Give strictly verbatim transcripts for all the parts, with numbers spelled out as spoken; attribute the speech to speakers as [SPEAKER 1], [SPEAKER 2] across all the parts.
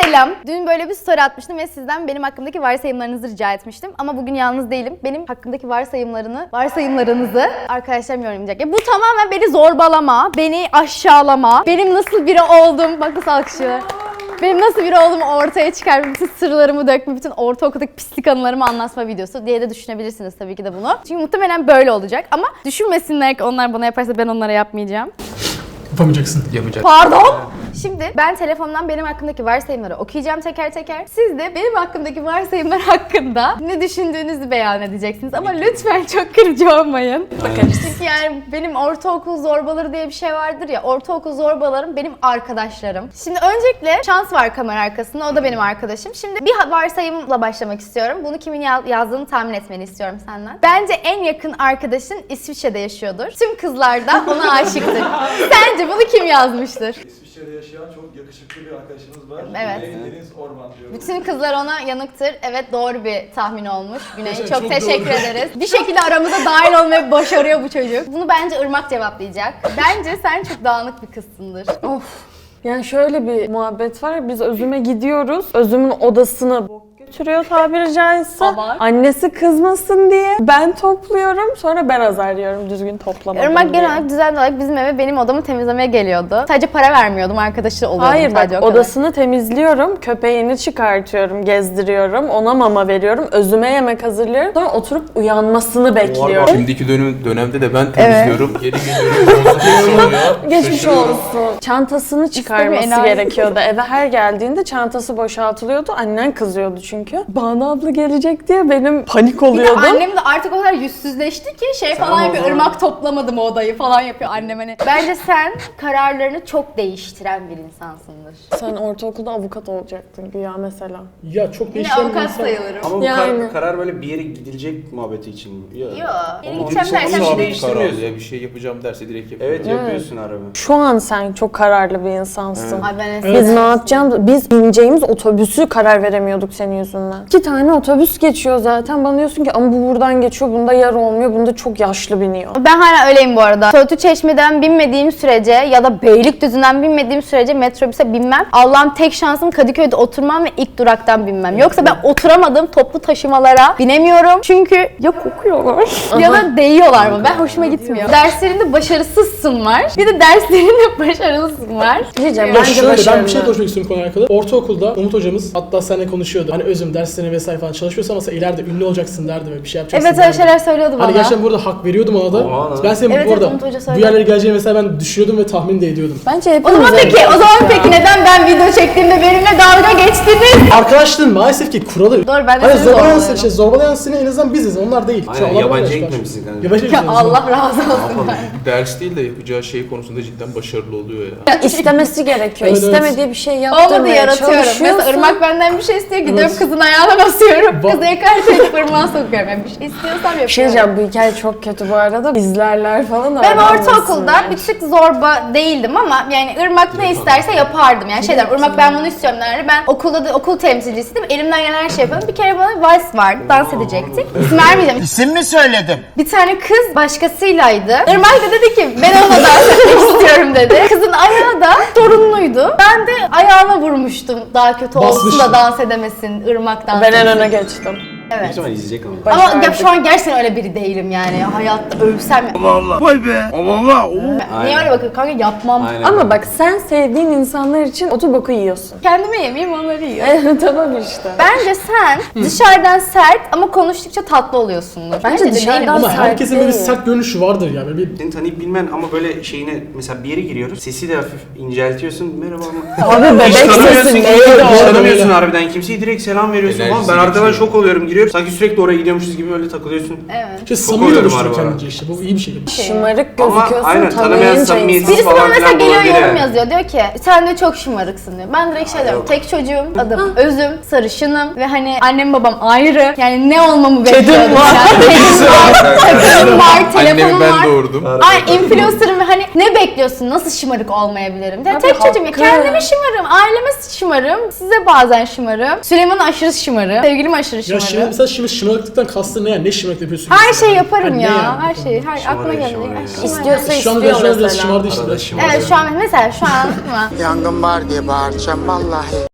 [SPEAKER 1] Selam. Dün böyle bir story atmıştım ve sizden benim hakkımdaki varsayımlarınızı rica etmiştim. Ama bugün yalnız değilim. Benim hakkımdaki varsayımlarını, varsayımlarınızı arkadaşlarım yorumlayacak. Ya bu tamamen beni zorbalama, beni aşağılama, benim nasıl biri oldum, bak nasıl alkışlıyorlar. Benim nasıl biri olduğumu ortaya çıkarma, bütün sırlarımı dökme, bütün ortaokuldaki pislik anılarımı anlatma videosu diye de düşünebilirsiniz tabii ki de bunu. Çünkü muhtemelen böyle olacak ama düşünmesinler ki onlar bana yaparsa ben onlara yapmayacağım.
[SPEAKER 2] Yapamayacaksın.
[SPEAKER 3] Yapacak.
[SPEAKER 1] Pardon. Şimdi ben telefondan benim hakkımdaki varsayımları okuyacağım teker teker. Siz de benim hakkımdaki varsayımlar hakkında ne düşündüğünüzü beyan edeceksiniz. Ama lütfen çok kırıcı olmayın. Bakın çünkü yani benim ortaokul zorbaları diye bir şey vardır ya. Ortaokul zorbalarım benim arkadaşlarım. Şimdi öncelikle Şans var kamera arkasında. O da benim arkadaşım. Şimdi bir varsayımla başlamak istiyorum. Bunu kimin yazdığını tahmin etmeni istiyorum senden. Bence en yakın arkadaşın İsviçre'de yaşıyordur. Tüm kızlar da ona aşıktır. Sence bunu kim yazmıştır?
[SPEAKER 4] İsviçre'de yaşayan çok yakışıklı bir arkadaşımız var.
[SPEAKER 1] Evet.
[SPEAKER 4] Güney Deniz Orman diyor.
[SPEAKER 1] Bütün kızlar ona yanıktır. Evet, doğru bir tahmin olmuş. Güney çok,
[SPEAKER 2] Çok
[SPEAKER 1] teşekkür
[SPEAKER 2] doğru.
[SPEAKER 1] ederiz. Bir şekilde aramıza dahil olmayı başarıyor bu çocuk. Bunu bence Irmak cevaplayacak. Bence sen çok dağınık bir kızsındır.
[SPEAKER 5] Of. Yani şöyle bir muhabbet var. Biz Özüm'e gidiyoruz. Özüm'ün odasını bok götürüyor tabiri caizse.
[SPEAKER 1] Abar.
[SPEAKER 5] Annesi kızmasın diye ben topluyorum. Sonra ben azar yiyorum düzgün toplamadım
[SPEAKER 1] Irmak
[SPEAKER 5] diye.
[SPEAKER 1] genel olarak düzenli olarak bizim eve benim odamı temizlemeye geliyordu. Sadece para vermiyordum, arkadaşı oluyordum.
[SPEAKER 5] Hayır bak,
[SPEAKER 1] sadece o kadar.
[SPEAKER 5] odasını temizliyorum, köpeğini çıkartıyorum, gezdiriyorum, ona mama veriyorum, Özüme yemek hazırlıyorum. Sonra oturup uyanmasını bekliyorum.
[SPEAKER 3] Şimdiki dönem, dönemde de ben temizliyorum. Geri geliyorum. Bozuluyor.
[SPEAKER 5] Geçmiş olsun. Çantasını çıkarması
[SPEAKER 1] enayi.
[SPEAKER 5] gerekiyordu. Eve her geldiğinde çantası boşaltılıyordu. Annen kızıyordu çünkü. Banu abla gelecek diye benim panik
[SPEAKER 1] Bir de
[SPEAKER 5] oluyordum.
[SPEAKER 1] annem de artık o kadar yüzsüzleşti ki şey
[SPEAKER 3] Sen
[SPEAKER 1] falan
[SPEAKER 3] o
[SPEAKER 1] yapıyor.
[SPEAKER 3] zaman-
[SPEAKER 1] Irmak toplamadım o odayı falan yapıyor annem hani. Bence sen kararlarını çok değiştiren bir insansındır.
[SPEAKER 5] Sen ortaokulda avukat olacaktın güya mesela.
[SPEAKER 2] Ya çok
[SPEAKER 1] Yine
[SPEAKER 2] değişken bir
[SPEAKER 1] avukat
[SPEAKER 2] insan.
[SPEAKER 1] sayılırım.
[SPEAKER 6] Ama bu
[SPEAKER 5] Yani.
[SPEAKER 6] kar- karar böyle bir yere gidilecek muhabbeti için mi? Yok.
[SPEAKER 1] Yok. Yeni
[SPEAKER 6] Ama
[SPEAKER 1] gideceğim
[SPEAKER 6] çok
[SPEAKER 1] dersen
[SPEAKER 6] iyi
[SPEAKER 1] bir
[SPEAKER 6] abi.
[SPEAKER 1] şey
[SPEAKER 6] değiştirmiyorsun.
[SPEAKER 3] Karar ya bir şey yapacağım derse direkt yapıyor.
[SPEAKER 6] Evet yapıyorsun araba.
[SPEAKER 5] Şu an sen çok kararlı bir insansın.
[SPEAKER 1] Ay ben
[SPEAKER 2] Evet.
[SPEAKER 5] Biz ne yapacağımız, biz bineceğimiz otobüsü karar veremiyorduk senin yüzünden. İki tane otobüs geçiyor zaten. Bana diyorsun ki ama bu buradan geçiyor, bunda yer olmuyor, bunda çok yaşlı biniyor.
[SPEAKER 1] Ben hala öyleyim bu arada. Söğütlü Çeşme'den binmediğim sürece ya da Beylikdüzü'nden binmediğim sürece metrobüse binmem. Allah'ım tek şansım Kadıköy'de oturmam ve ilk duraktan binmem. Yoksa ben oturamadığım toplu taşımalara binemiyorum. Çünkü ya kokuyorlar ya da değiyorlar mı? Ben hoşuma gitmiyor. Derslerinde başarısızsın var. Bir de derslerinde başarılısın var.
[SPEAKER 5] Diyeceğim
[SPEAKER 2] Ya
[SPEAKER 5] bence
[SPEAKER 2] şöyle ben
[SPEAKER 5] başarılı.
[SPEAKER 2] bir şey konuşmak istiyorum konuyla alakalı. Ortaokulda Umut hocamız hatta seninle konuşuyordu. Hani Özüm derslerine vesaire falan çalışıyorsan mesela ileride ünlü olacaksın derdi ve bir şey yapacaksın
[SPEAKER 1] Evet öyle
[SPEAKER 2] derdi.
[SPEAKER 1] şeyler söylüyordu bana.
[SPEAKER 2] Hani gerçekten burada hak veriyordum ona da.
[SPEAKER 6] Oha lan.
[SPEAKER 2] Ben senin
[SPEAKER 1] Evet,
[SPEAKER 2] bu arada
[SPEAKER 1] evet, Umut Hoca
[SPEAKER 2] bu
[SPEAKER 1] söyledi.
[SPEAKER 2] yerlere geleceğini mesela ben düşünüyordum ve tahmin de ediyordum.
[SPEAKER 5] Bence
[SPEAKER 1] O
[SPEAKER 5] hepimiz
[SPEAKER 1] zaman peki, o zaman peki neden ben video çektiğimde benimle dalga geçtiniz?
[SPEAKER 2] Arkadaşlığın maalesef ki kuralı.
[SPEAKER 1] Doğru, ben de
[SPEAKER 2] Hani
[SPEAKER 1] seni
[SPEAKER 2] zorbalayan,
[SPEAKER 1] zorbalıyorum.
[SPEAKER 2] şey, zorbalayan seni en azından biziz, onlar değil. Şu
[SPEAKER 6] Aynen
[SPEAKER 2] Allah
[SPEAKER 6] yabancı
[SPEAKER 2] başka.
[SPEAKER 6] gitmemişsin kanka.
[SPEAKER 2] Yabancı
[SPEAKER 1] Ya
[SPEAKER 2] gitmemişsin.
[SPEAKER 1] Allah razı olsun.
[SPEAKER 6] Yapalım.
[SPEAKER 3] Ders değil de yapacağı şey konusunda cidden başarılı oluyor ya.
[SPEAKER 5] Ya istemesi gerekiyor.
[SPEAKER 2] Evet, evet.
[SPEAKER 5] İstemediği bir şey
[SPEAKER 1] Olmadı,
[SPEAKER 5] yaptırmaya
[SPEAKER 1] yaratıyorum.
[SPEAKER 5] çalışıyorsun.
[SPEAKER 1] Mesela Irmak benden bir şey istiyor, gidiyorum
[SPEAKER 2] Evet.
[SPEAKER 1] kızın ayağına basıyorum.
[SPEAKER 2] Ba-
[SPEAKER 1] Kızı ekart edip ırmağa sokuyorum. Yani bir şey istiyorsam yapıyorum.
[SPEAKER 5] Bir şey diyeceğim, bu hikaye çok kötü bu arada. İzlerler falan
[SPEAKER 1] Ben
[SPEAKER 5] öğrenmesinler.
[SPEAKER 1] ortaokulda bir tık zorba değildim ama yani Irmak ne isterse yapardım. Yani şey derim, Irmak ben bunu istiyorum derdi. Ben okulda da okul temsilcisiydim. Elimden gelen her şey yapıyordum. Bir kere bana vals vardı, dans edecektik. İsim vermeyeceğim.
[SPEAKER 7] İsim mi söyledim?
[SPEAKER 1] Bir tane kız başkasıylaydı. Irmak da dedi ki ben onunla dans etmek istiyorum dedi. Kızın ayağı da sorunluydu. Ben de ayağına vurmuştum. Daha kötü olsun da
[SPEAKER 2] Basmıştın.
[SPEAKER 1] dans edemesin. Irmak dans
[SPEAKER 5] Ben en
[SPEAKER 1] etsin.
[SPEAKER 5] öne geçtim.
[SPEAKER 1] Evet.
[SPEAKER 6] Büyük ihtimalle izleyecek ama.
[SPEAKER 1] Ama ya
[SPEAKER 5] Başardık.
[SPEAKER 1] şu an gerçekten öyle biri değilim yani. Hayatta ölsem.
[SPEAKER 7] Vay be. Allah.
[SPEAKER 1] Niye
[SPEAKER 6] Aynen.
[SPEAKER 1] öyle bakıyor kanka, yapmam.
[SPEAKER 6] Aynen.
[SPEAKER 5] Ama bak sen sevdiğin insanlar için otu boku yiyorsun.
[SPEAKER 1] Kendime yemeyeyim, onları yiyor.
[SPEAKER 5] Tamam işte.
[SPEAKER 1] Bence sen dışarıdan sert ama konuştukça tatlı oluyorsundur.
[SPEAKER 5] Bence
[SPEAKER 1] de
[SPEAKER 5] dışarıdan
[SPEAKER 1] değilim.
[SPEAKER 2] Ama
[SPEAKER 5] sert
[SPEAKER 2] herkesin böyle bir
[SPEAKER 5] değil.
[SPEAKER 2] sert görünüşü vardır ya. Böyle bir
[SPEAKER 6] Seni tanıyıp bilmen ama böyle şeyine mesela bir yere giriyoruz. Sesi de hafif inceltiyorsun. Merhaba ama.
[SPEAKER 5] Abi bebek
[SPEAKER 6] Hiç
[SPEAKER 5] sesi
[SPEAKER 6] tanımıyorsun
[SPEAKER 5] neydi
[SPEAKER 6] kimseyi, hiç
[SPEAKER 5] o?
[SPEAKER 6] tanımıyorsun harbiden kimseyi, direkt selam veriyorsun
[SPEAKER 3] Enerjisi
[SPEAKER 6] falan. Ben arkadan
[SPEAKER 3] geçiyor.
[SPEAKER 6] şok oluyorum, giriyorum. Sanki sürekli oraya gidiyormuşuz gibi öyle takılıyorsun.
[SPEAKER 1] Evet.
[SPEAKER 2] şey
[SPEAKER 6] Çok
[SPEAKER 2] samimi
[SPEAKER 6] oluyorum
[SPEAKER 2] oluşturuyor
[SPEAKER 6] araba.
[SPEAKER 2] kendince işte. Bu iyi bir şey.
[SPEAKER 5] Şımarık
[SPEAKER 6] Ama
[SPEAKER 5] gözüküyorsun
[SPEAKER 6] aynen, tanımayan
[SPEAKER 5] tanıyınca
[SPEAKER 6] samimiyetsiz
[SPEAKER 5] insan.
[SPEAKER 1] Birisi bana
[SPEAKER 6] falan
[SPEAKER 1] mesela
[SPEAKER 6] filan
[SPEAKER 1] geliyor
[SPEAKER 6] olabilir
[SPEAKER 1] yorum
[SPEAKER 6] yani.
[SPEAKER 1] yazıyor. Diyor ki sen de çok şımarıksın diyor. Ben direkt şey diyorum.
[SPEAKER 6] yok.
[SPEAKER 1] Tek çocuğum, adım Özüm, sarışınım ve hani annem babam ayrı. Yani ne olmamı bekliyordum
[SPEAKER 5] var.
[SPEAKER 1] yani. Kedim var, takımım var, telefonum
[SPEAKER 3] Annemi ben
[SPEAKER 1] var.
[SPEAKER 3] doğurdum.
[SPEAKER 1] Ay influencer'ım ve hani ne bekliyorsun? Nasıl şımarık olmayabilirim? Yani
[SPEAKER 5] Abi
[SPEAKER 1] tek çocuğum ya.
[SPEAKER 5] haklı.
[SPEAKER 1] Kendime şımarım, aileme şımarım, size bazen şımarım. Süleyman aşırı şımarım, sevgilim aşırı
[SPEAKER 2] Ya
[SPEAKER 1] şımarım.
[SPEAKER 2] şimdi mesela şimdi şımarıklıktan kastın ne yani? Ne şımarık yapıyorsun?
[SPEAKER 1] Her
[SPEAKER 2] mesela?
[SPEAKER 1] şeyi yaparım
[SPEAKER 2] Hani ne
[SPEAKER 1] ya,
[SPEAKER 2] yani?
[SPEAKER 1] her şeyi. Her aklıma
[SPEAKER 6] Şımarıyor,
[SPEAKER 1] geldi.
[SPEAKER 6] şımarıyor
[SPEAKER 1] Ay,
[SPEAKER 6] ya.
[SPEAKER 1] şımarık.
[SPEAKER 5] İstiyorsa
[SPEAKER 2] Şu anda
[SPEAKER 5] istiyor
[SPEAKER 2] biraz biraz
[SPEAKER 5] mesela.
[SPEAKER 2] şımardı işte.
[SPEAKER 6] Arada
[SPEAKER 2] biraz.
[SPEAKER 6] şımarıyor.
[SPEAKER 1] Evet şu an mesela şu an mı?
[SPEAKER 7] Yangın var diye bağıracağım vallahi.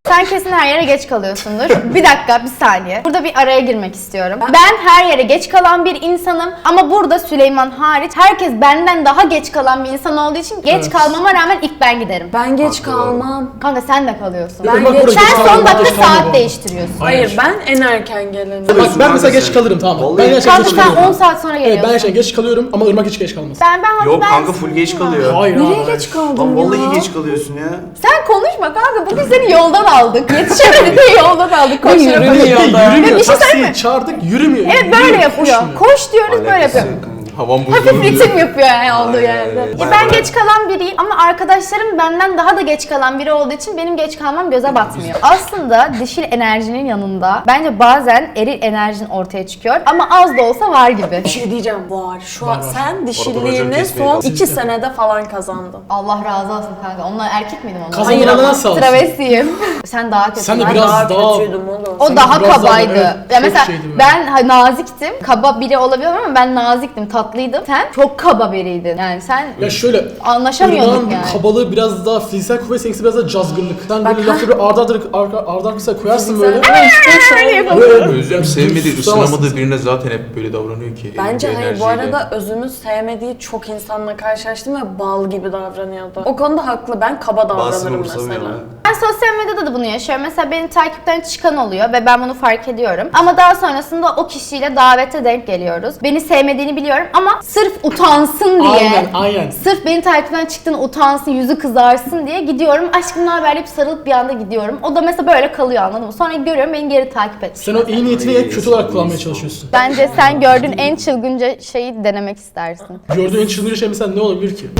[SPEAKER 1] Sen kesin her yere geç kalıyorsundur. Bir dakika, bir saniye. Burada bir araya girmek istiyorum. Ben her yere geç kalan bir insanım ama burada Süleyman hariç herkes benden daha geç kalan bir insan olduğu için geç
[SPEAKER 2] Evet.
[SPEAKER 1] kalmama rağmen ilk ben giderim.
[SPEAKER 5] Ben geç
[SPEAKER 6] Haklı.
[SPEAKER 5] kalmam.
[SPEAKER 1] Kanka sen de kalıyorsun.
[SPEAKER 5] Ben
[SPEAKER 2] Bak
[SPEAKER 5] geç-
[SPEAKER 2] buraya
[SPEAKER 1] Sen
[SPEAKER 2] geç
[SPEAKER 1] son
[SPEAKER 2] kalmıyorum,
[SPEAKER 1] dakika
[SPEAKER 2] geç kalmıyorum.
[SPEAKER 1] saat değiştiriyorsun.
[SPEAKER 5] Hayır ben en erken gelenim.
[SPEAKER 2] Bak ben mesela geç
[SPEAKER 6] sen.
[SPEAKER 2] kalırım tamam mı?
[SPEAKER 6] Vallahi-
[SPEAKER 2] Ben gerçekten
[SPEAKER 1] Kanka
[SPEAKER 2] geç
[SPEAKER 1] sen
[SPEAKER 2] kalıyorum.
[SPEAKER 1] on saat sonra
[SPEAKER 2] Evet
[SPEAKER 1] geliyorsun.
[SPEAKER 2] ben gerçekten geç kalıyorum ama Irmak hiç geç kalmaz.
[SPEAKER 1] Ben ben
[SPEAKER 6] Yok
[SPEAKER 1] ben
[SPEAKER 6] kanka full geç kalıyor.
[SPEAKER 2] Hayır
[SPEAKER 5] Nereye
[SPEAKER 2] abi.
[SPEAKER 5] geç kaldın
[SPEAKER 6] Lan
[SPEAKER 5] ya?
[SPEAKER 6] vallahi geç kalıyorsun ya.
[SPEAKER 1] Sen konuşma kanka. Bugün seni yoldan aldık. Yetişemedik diye yoldan aldık. Koşuyor.
[SPEAKER 5] Yürümüyor
[SPEAKER 2] Yürümüyor
[SPEAKER 5] da.
[SPEAKER 2] Yürümüyor.
[SPEAKER 1] Bir şey
[SPEAKER 2] Taksiyi çağırdık yürümüyor.
[SPEAKER 1] Evet böyle
[SPEAKER 2] Yürümüyor,
[SPEAKER 1] yapıyor.
[SPEAKER 2] koşmuyor.
[SPEAKER 1] Koş diyoruz böyle
[SPEAKER 6] Alakası
[SPEAKER 1] yapıyor.
[SPEAKER 6] yok kanka.
[SPEAKER 3] Havam
[SPEAKER 1] Hafif
[SPEAKER 3] bozuldu.
[SPEAKER 1] ritim yapıyor yani olduğu
[SPEAKER 6] Aynen,
[SPEAKER 1] yerde.
[SPEAKER 6] evet.
[SPEAKER 1] Ya
[SPEAKER 6] Baya
[SPEAKER 1] ben
[SPEAKER 6] baya.
[SPEAKER 1] geç kalan biriyim ama arkadaşlarım benden daha da geç kalan biri olduğu için benim geç kalmam göze batmıyor. Aslında dişil enerjinin yanında bence bazen eril enerjin ortaya çıkıyor ama az da olsa var gibi.
[SPEAKER 5] Bir şey diyeceğim var. Şu
[SPEAKER 2] Var,
[SPEAKER 5] an
[SPEAKER 2] var.
[SPEAKER 5] sen
[SPEAKER 6] racon
[SPEAKER 5] dişiliğini
[SPEAKER 6] kesmeye
[SPEAKER 5] son
[SPEAKER 6] kalsın.
[SPEAKER 5] iki senede falan kazandın.
[SPEAKER 1] Allah razı olsun kanka. Onlar erkek miydim onlar?
[SPEAKER 2] Kazanana
[SPEAKER 5] ama
[SPEAKER 2] nasıl alsın?
[SPEAKER 1] Travestiyim. Sen daha kötü.
[SPEAKER 2] Sen de
[SPEAKER 5] Ben
[SPEAKER 2] biraz
[SPEAKER 5] daha,
[SPEAKER 2] daha-
[SPEAKER 5] kötüydüm oğlum.
[SPEAKER 1] O
[SPEAKER 2] Sen
[SPEAKER 1] daha
[SPEAKER 2] biraz daha-
[SPEAKER 1] kabaydı.
[SPEAKER 2] evet,
[SPEAKER 1] ya
[SPEAKER 2] çok
[SPEAKER 1] mesela
[SPEAKER 2] şeydim ben.
[SPEAKER 1] ben ha, naziktim. Kaba biri olabilir ama ben naziktim, tatlıydım. Sen çok kaba biriydin. Yani sen
[SPEAKER 2] Ya şöyle
[SPEAKER 1] anlaşamıyorduk
[SPEAKER 2] Irmak'ın
[SPEAKER 1] yani.
[SPEAKER 2] kabalığı biraz daha fiziksel kuvvet, seninkisi biraz daha cazgırlık. Sen böyle
[SPEAKER 5] Bak,
[SPEAKER 2] lafları arda arda arka arda arkasına koyarsın böyle.
[SPEAKER 5] Böyle.
[SPEAKER 2] Böyle
[SPEAKER 3] Özlem sevmediği,
[SPEAKER 2] Susamazsın.
[SPEAKER 3] ısınamadığı birine zaten hep böyle davranıyor ki.
[SPEAKER 5] Bence
[SPEAKER 3] Elinde
[SPEAKER 5] hayır bu
[SPEAKER 3] enerjiyle.
[SPEAKER 5] arada Özüm'ün sevmediği çok insanla karşılaştım ve bal gibi davranıyordu. O konuda haklı, ben kaba
[SPEAKER 6] Bazısını
[SPEAKER 5] davranırım
[SPEAKER 6] umursamıyor
[SPEAKER 5] mesela.
[SPEAKER 6] lan.
[SPEAKER 1] Ben sosyal medyada da bunu yaşıyorum. Mesela benim takipten çıkan oluyor ve ben bunu fark ediyorum. Ama daha sonrasında o kişiyle davete denk geliyoruz. Beni sevmediğini biliyorum ama sırf utansın diye.
[SPEAKER 2] Aynen aynen.
[SPEAKER 1] Sırf beni takipten çıktığını utansın, yüzü kızarsın diye gidiyorum. Aşkım ne haber deyip sarılıp bir anda gidiyorum. O da mesela böyle kalıyor anladın mı? Sonra görüyorum beni geri takip etmiş.
[SPEAKER 2] Sen o iyi niyetini hep kötü olarak kullanmaya çalışıyorsun.
[SPEAKER 1] Bence sen gördüğün en çılgınca şeyi denemek istersin.
[SPEAKER 2] Gördüğün en çılgınca şey mesela ne olabilir ki?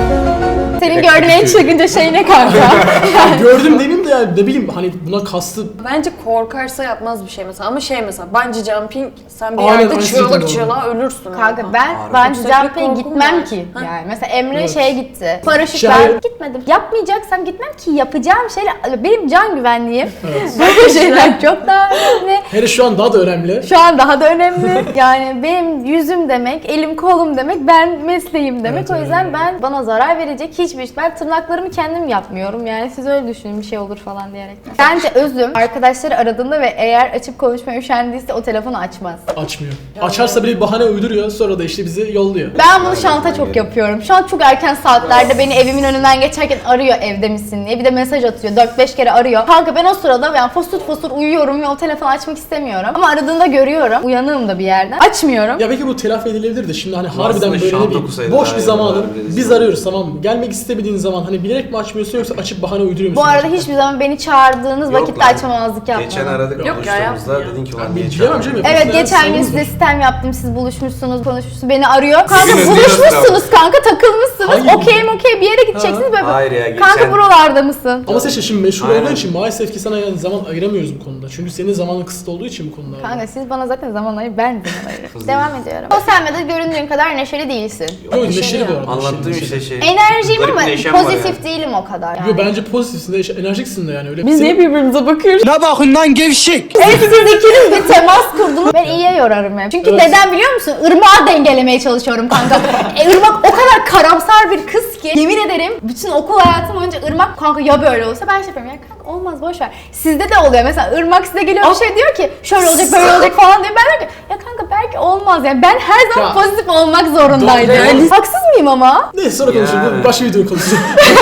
[SPEAKER 1] Senin gördüğün en çılgınca şey ne kanka?
[SPEAKER 2] Ya gördüm demeyeyim de yani ne bileyim hani buna kastı
[SPEAKER 5] Bence korkarsa yapmaz bir şey mesela ama şey mesela bungee jumping sen bir
[SPEAKER 2] Aynen,
[SPEAKER 5] yerde
[SPEAKER 2] aynı
[SPEAKER 5] çığlık
[SPEAKER 2] şekilde
[SPEAKER 5] çığlığa ölürsün.
[SPEAKER 1] Kanka
[SPEAKER 5] orada.
[SPEAKER 1] ben
[SPEAKER 6] Harbi.
[SPEAKER 1] bence
[SPEAKER 5] Yükseklik
[SPEAKER 1] jumping'e
[SPEAKER 5] korkum
[SPEAKER 1] gitmem
[SPEAKER 5] var.
[SPEAKER 1] ki.
[SPEAKER 5] Ha.
[SPEAKER 1] Yani mesela Emre
[SPEAKER 2] Evet.
[SPEAKER 1] şeye gitti. Paraşüt
[SPEAKER 2] Şey-
[SPEAKER 1] ben gitmedim. Yapmayacaksam gitmem ki yapacağım şeyler benim can güvenliğim.
[SPEAKER 2] Evet.
[SPEAKER 1] Böyle şeyler çok daha önemli.
[SPEAKER 2] Hele şu an daha da önemli.
[SPEAKER 1] Şu an daha da önemli. Yani benim yüzüm demek, elim kolum demek, ben mesleğim demek.
[SPEAKER 2] Evet,
[SPEAKER 1] o yüzden
[SPEAKER 2] evet.
[SPEAKER 1] ben bana zarar verecek hiçbir iş. Ben tırnaklarımı kendim yapmıyorum. Yani siz öyle düşünün bir şey olur falan diyerekten. Bence Özüm arkadaşları aradığında ve eğer açıp konuşmaya üşendiyse o telefonu açmaz.
[SPEAKER 2] Açmıyor. Açarsa bile bir bahane uyduruyor sonra da işte bizi yolluyor.
[SPEAKER 1] Ben bunu şu anda çok yapıyorum. Şu an çok erken saatlerde beni evimin önünden geçerken arıyor evde misin diye. Bir de mesaj atıyor. dört beş kere arıyor. Kanka ben o sırada yani fosur fosur uyuyorum ve o telefonu açmak istemiyorum. Ama aradığında görüyorum. Uyanığım da bir yerden. Açmıyorum.
[SPEAKER 2] Ya belki bu telafi edilebilir de şimdi hani
[SPEAKER 6] Aslında
[SPEAKER 2] harbiden böyle
[SPEAKER 6] şant
[SPEAKER 2] ne
[SPEAKER 6] okusaydı
[SPEAKER 2] bileyim boş
[SPEAKER 6] daha
[SPEAKER 2] bir
[SPEAKER 6] iyi
[SPEAKER 2] zamanın
[SPEAKER 6] olurdu,
[SPEAKER 2] biz
[SPEAKER 6] rezil.
[SPEAKER 2] arıyoruz tamam mı? Gelmek istemediğin zaman hani bilerek mi açmıyorsun yoksa açıp bahane uyduruyor musun?
[SPEAKER 1] Bu arada hiçbir zaman beni çağırdığınız
[SPEAKER 6] Yok
[SPEAKER 1] vakitte
[SPEAKER 6] lan.
[SPEAKER 1] açmamazlık yapmadım.
[SPEAKER 6] Geçen aradık
[SPEAKER 5] Yok ya,
[SPEAKER 6] konuştuğumuzda
[SPEAKER 5] yapmıyor.
[SPEAKER 6] dedin ki
[SPEAKER 2] Ben
[SPEAKER 6] ulan niye
[SPEAKER 2] bilemem canım.
[SPEAKER 6] çağırdın?
[SPEAKER 1] Evet
[SPEAKER 2] Hepimizin
[SPEAKER 1] geçen gün
[SPEAKER 2] sorunumuz
[SPEAKER 1] size
[SPEAKER 2] var.
[SPEAKER 1] sistem yaptım. Siz buluşmuşsunuz, konuşmuşsunuz. Beni arıyor. Kanka
[SPEAKER 3] Sizin
[SPEAKER 1] buluşmuşsunuz kanka takılmışsınız.
[SPEAKER 2] Hayır.
[SPEAKER 1] Okey okey bir yere gideceksiniz. Böyle
[SPEAKER 6] Hayır ya, geçen-
[SPEAKER 1] kanka buralarda mısın?
[SPEAKER 2] Ama sen işte şimdi meşhur
[SPEAKER 6] Aynen.
[SPEAKER 2] olduğun için maalesef ki sana yani zaman ayıramıyoruz bu konuda. Çünkü senin zamanın kısıtlı olduğu için bu konuda. abi.
[SPEAKER 1] Kanka siz bana zaten zaman ayır, ben zaman ayırıyorum. Devam ediyorum. Sosyal medyada göründüğün kadar neşeli değilsin.
[SPEAKER 2] Yok neşeli bu arada.
[SPEAKER 6] Anlattığım
[SPEAKER 2] neşeli,
[SPEAKER 6] işte
[SPEAKER 2] neşeli.
[SPEAKER 6] şey.
[SPEAKER 1] Enerjiyim
[SPEAKER 6] garip
[SPEAKER 1] ama
[SPEAKER 6] bir neşem var
[SPEAKER 1] pozitif
[SPEAKER 6] yani.
[SPEAKER 1] değilim o kadar. Yani.
[SPEAKER 2] Yo bence pozitifsin de enerjiksin de yani öyle.
[SPEAKER 5] Biz
[SPEAKER 2] Senin-
[SPEAKER 5] niye birbirimize bakıyoruz?
[SPEAKER 7] Ne bakın lan gevşek.
[SPEAKER 1] Evet siz ikiniz bir temas kurdunuz. Ben iyiye yorarım hep. Çünkü
[SPEAKER 2] Evet.
[SPEAKER 1] neden biliyor musun? Irmağı dengelemeye çalışıyorum kanka. e, Irmak o kadar karamsar bir kız ki yemin ederim bütün okul hayatım boyunca Irmak kanka ya böyle olsa ben şey yapıyorum ya kanka olmaz boş ver. Sizde de oluyor mesela Irmak size geliyor bir şey diyor ki şöyle olacak böyle olacak falan diyor. Ben diyorum ki ya kanka belki olmaz yani ben her zaman
[SPEAKER 2] Ya.
[SPEAKER 1] pozitif olmak zorundaydım.
[SPEAKER 2] Doğru, doğru.
[SPEAKER 1] Haksız mıyım ama?
[SPEAKER 2] Neyse sonra konuşuruz.
[SPEAKER 6] Yani.
[SPEAKER 2] Bu başka video konusu.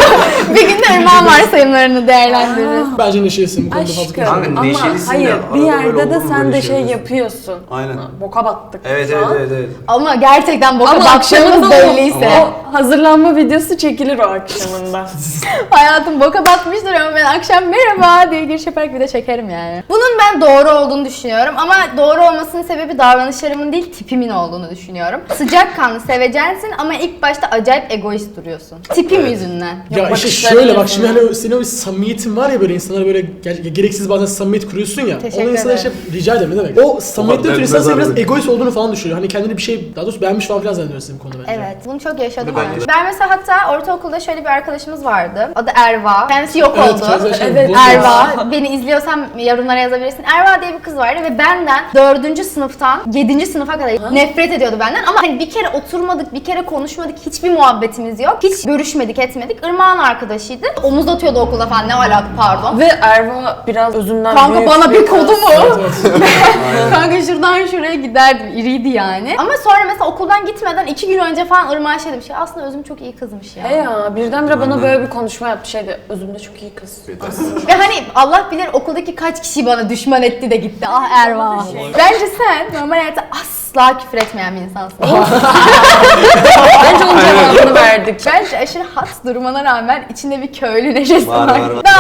[SPEAKER 1] Bir gün de Irmak'ın varsayımlarını değerlendiririz.
[SPEAKER 2] Bence neşelisin bu konuda fazla
[SPEAKER 5] Aşkım
[SPEAKER 2] konuşalım.
[SPEAKER 6] Kanka,
[SPEAKER 5] ama
[SPEAKER 6] neşelisin de
[SPEAKER 5] hayır bir
[SPEAKER 6] arada böyle
[SPEAKER 5] yerde
[SPEAKER 6] olur
[SPEAKER 5] de
[SPEAKER 6] mu
[SPEAKER 5] sen
[SPEAKER 6] böyle
[SPEAKER 5] de şey
[SPEAKER 6] şeyler?
[SPEAKER 5] yapıyorsun.
[SPEAKER 6] Aynen.
[SPEAKER 5] Ha, Boka battık
[SPEAKER 6] Evet
[SPEAKER 5] şu
[SPEAKER 6] evet
[SPEAKER 5] an.
[SPEAKER 6] evet evet.
[SPEAKER 1] Ama gerçekten boka
[SPEAKER 5] Ama
[SPEAKER 1] baktığımız
[SPEAKER 5] akşamında
[SPEAKER 1] belliyse.
[SPEAKER 5] o, o hazırlanma videosu çekilir o akşamında.
[SPEAKER 1] Hayatım boka batmıştır ama ben akşam merhaba diye giriş yaparak bir de çekerim yani. Bunun ben doğru olduğunu düşünüyorum ama doğru olmasının sebebi davranışlarımın değil tipimin olduğunu düşünüyorum. Sıcakkanlı, sevecensin ama ilk başta acayip egoist duruyorsun. Tipim yüzünden.
[SPEAKER 2] Ya işte
[SPEAKER 5] bakışların
[SPEAKER 2] şöyle bak
[SPEAKER 5] yüzünden.
[SPEAKER 2] şimdi hani senin o bir samimiyetin var ya böyle insanlara böyle ger- gereksiz bazen samimiyet kuruyorsun ya.
[SPEAKER 1] Teşekkür
[SPEAKER 2] Onu insana işte
[SPEAKER 1] ederim.
[SPEAKER 2] rica ederim ne demek. O samimiyetten ötürü insan
[SPEAKER 6] mezar
[SPEAKER 2] seni biraz
[SPEAKER 6] dedim.
[SPEAKER 2] egoist olduğunu falan düşünüyor. Hani kendini bir şey daha doğrusu beğenmiş falan filan zannediyor senin bu konuda bence.
[SPEAKER 1] Evet, bunu çok yaşadım.
[SPEAKER 6] Ben
[SPEAKER 1] Ben,
[SPEAKER 6] de.
[SPEAKER 1] ben mesela hatta ortaokulda şöyle bir arkadaşımız vardı. Adı Erva. Kendisi yok
[SPEAKER 2] Evet,
[SPEAKER 1] oldu.
[SPEAKER 2] kendisi şey,
[SPEAKER 5] Evet,
[SPEAKER 2] boş
[SPEAKER 1] Erva. Beni izliyorsan yorumlara yazabilirsin. Erva diye bir kız vardı ve benden dördüncü sınıftan yedinci sınıfa kadar nefret ediyordu benden. Ama hani bir kere oturmadık, bir kere konuşmadık, hiçbir muhabbetimiz yok. Hiç görüşmedik görüşmedik etmedik. Irmak'ın arkadaşıydı. Omuz atıyordu okulda falan, ne alaka pardon.
[SPEAKER 5] Ve Erva biraz özünden
[SPEAKER 1] Kanka
[SPEAKER 5] büyük
[SPEAKER 1] bana bir
[SPEAKER 5] kız.
[SPEAKER 1] kodu mu?
[SPEAKER 3] Aynen.
[SPEAKER 1] Kanka şuradan şuraya giderdim, iriydi yani. Ama sonra mesela okuldan gitmeden iki gün önce falan Irmak'a şey demiş ya, aslında Özüm çok iyi kızmış ya.
[SPEAKER 5] He ya birdenbire bana böyle bir konuşma yaptı şeydi. Özümde çok iyi kız.
[SPEAKER 1] Ve hani Allah bilir okuldaki kaç kişi bana düşman etti de gitti. Ah Erva. Bence sen normal hayatta asla küfür etmeyen bir insansın.
[SPEAKER 5] Bence onun cevabını verdik.
[SPEAKER 1] Bence aşırı hat durmana rağmen içinde bir köylü neşesi var.
[SPEAKER 6] Var, var, var.